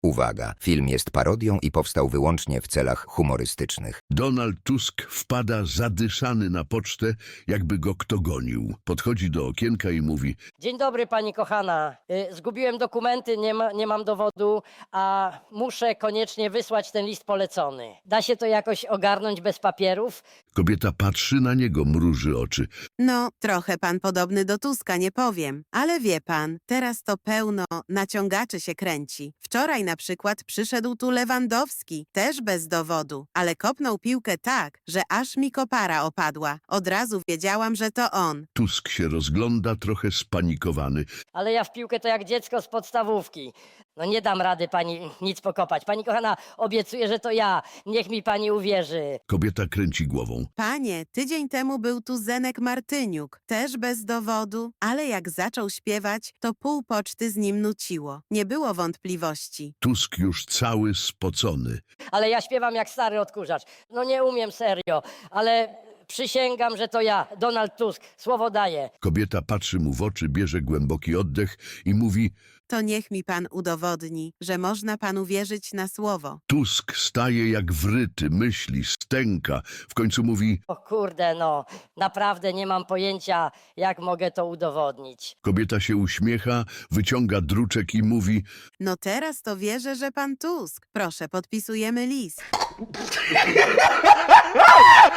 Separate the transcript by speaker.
Speaker 1: Uwaga, film jest parodią i powstał wyłącznie w celach humorystycznych.
Speaker 2: Donald Tusk wpada zadyszany na pocztę, jakby go kto gonił. Podchodzi do okienka i mówi:
Speaker 3: Dzień dobry, pani kochana. Zgubiłem dokumenty, nie mam dowodu, a muszę koniecznie wysłać ten list polecony. Da się to jakoś ogarnąć bez papierów?
Speaker 2: Kobieta patrzy na niego, mruży oczy.
Speaker 4: No, trochę pan podobny do Tuska, nie powiem. Ale wie pan, teraz to pełno naciągaczy się kręci. Wczoraj na przykład przyszedł tu Lewandowski, też bez dowodu, ale kopnął piłkę tak, że aż mi kopara opadła. Od razu wiedziałam, że to on.
Speaker 2: Tusk się rozgląda, trochę spanikowany.
Speaker 3: Ale ja w piłkę to jak dziecko z podstawówki. No nie dam rady pani nic pokopać. Pani kochana, obiecuję, że to ja. Niech mi pani uwierzy.
Speaker 2: Kobieta kręci głową.
Speaker 4: Panie, tydzień temu był tu Zenek Martyniuk, też bez dowodu, ale jak zaczął śpiewać, to pół poczty z nim nuciło. Nie było wątpliwości.
Speaker 2: Tusk już cały spocony.
Speaker 3: Ale ja śpiewam jak stary odkurzacz. No nie umiem serio, ale przysięgam, że to ja, Donald Tusk. Słowo daję.
Speaker 2: Kobieta patrzy mu w oczy, bierze głęboki oddech i mówi:
Speaker 4: To niech mi pan udowodni, że można panu wierzyć na słowo.
Speaker 2: Tusk staje jak wryty, myśli, stęka. W końcu mówi:
Speaker 3: O kurde, no, naprawdę nie mam pojęcia, jak mogę to udowodnić.
Speaker 2: Kobieta się uśmiecha, wyciąga druczek i mówi:
Speaker 4: No teraz to wierzę, że pan Tusk. Proszę, podpisujemy list.